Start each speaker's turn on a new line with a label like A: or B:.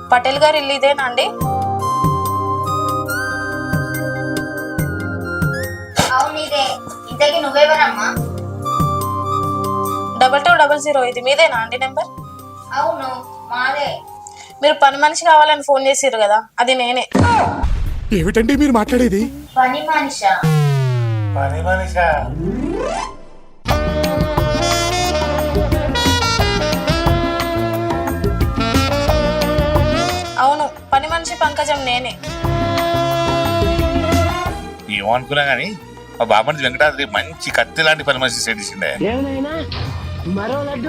A: పటేల్ గారు ఇల్లు ఇదేనా అండి?
B: అవునిదే. ఇంతకీ నువ్వెవరమ్మా?
A: 2200 ఇది మీదేనా అండి నెంబర్?
B: అవును మాదే.
A: మీరు పని మనిషి కావాలని ఫోన్ చేసిర్రు కదా, అది నేనే.
C: ఏమిటండి మీరు మాట్లాడేది?
B: పని మనిషా?
D: పని మనిషా?
A: అవును, పని మనిషి పంకజం నేనే.
D: ఏమనుకున్నా గానీ మా బాబండి వెంకటాద్రి మంచి కత్తి లాంటి పని మనిషి సెట్ చేసిండే.